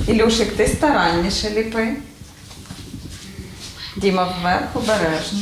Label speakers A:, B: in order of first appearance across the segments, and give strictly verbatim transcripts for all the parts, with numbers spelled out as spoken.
A: Ілюшик, ти старанніше ліпи. Діма, вверх обережно.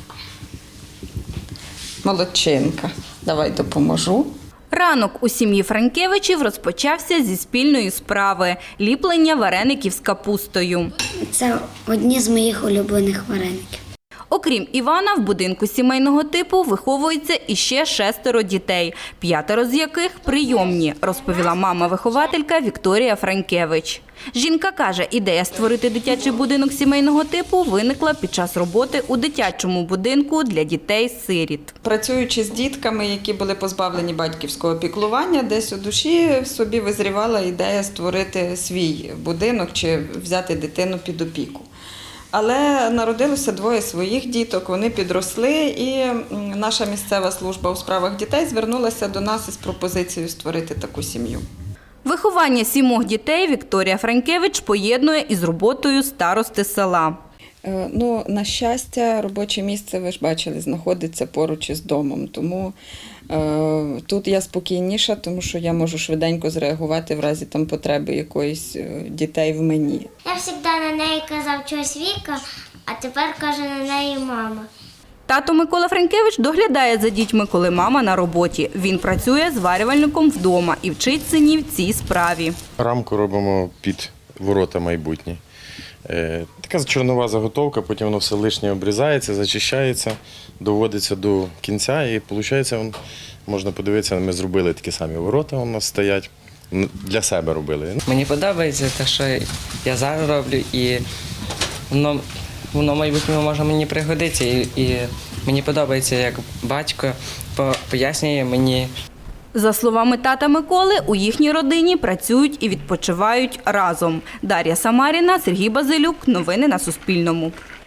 A: Молодчинка. Давай допоможу.
B: Ранок у сім'ї Франкевичів розпочався зі спільної справи – ліплення вареників з капустою.
C: Це одні з моїх улюблених вареників.
B: Окрім Івана, в будинку сімейного типу виховується іще шестеро дітей, п'ятеро з яких прийомні, розповіла мама-вихователька Вікторія Франкевич. Жінка каже, ідея створити дитячий будинок сімейного типу виникла під час роботи у дитячому будинку для дітей-сиріт.
A: Працюючи з дітками, які були позбавлені батьківського піклування, десь у душі в собі визрівала ідея створити свій будинок чи взяти дитину під опіку. Але народилося двоє своїх діток, вони підросли, і наша місцева служба у справах дітей звернулася до нас із пропозицією створити таку сім'ю.
B: Виховання сімох дітей Вікторія Франкевич поєднує із роботою старости села.
A: Ну, на щастя, робоче місце, ви ж бачили, знаходиться поруч із домом, тому е, тут я спокійніша, тому що я можу швиденько зреагувати в разі там потреби якоїсь дітей в мені.
D: Я завжди на неї казав чогось Віка, а тепер каже на неї мама.
B: Тато Микола Франкевич доглядає за дітьми, коли мама на роботі. Він працює зварювальником вдома і вчить синів цій справі.
E: Рамку робимо під ворота майбутні. Така чорнова заготовка, потім воно все лишнє обрізається, зачищається, доводиться до кінця і виходить, можна подивитися, ми зробили такі самі ворота, у нас стоять, для себе робили.
F: Мені подобається те, що я зараз роблю, і воно, воно в майбутньому може мені пригодитися. І, і мені подобається, як батько пояснює мені.
B: За словами тата Миколи, у їхній родині працюють і відпочивають разом. Дар'я Самаріна, Сергій Базилюк. Новини на Суспільному.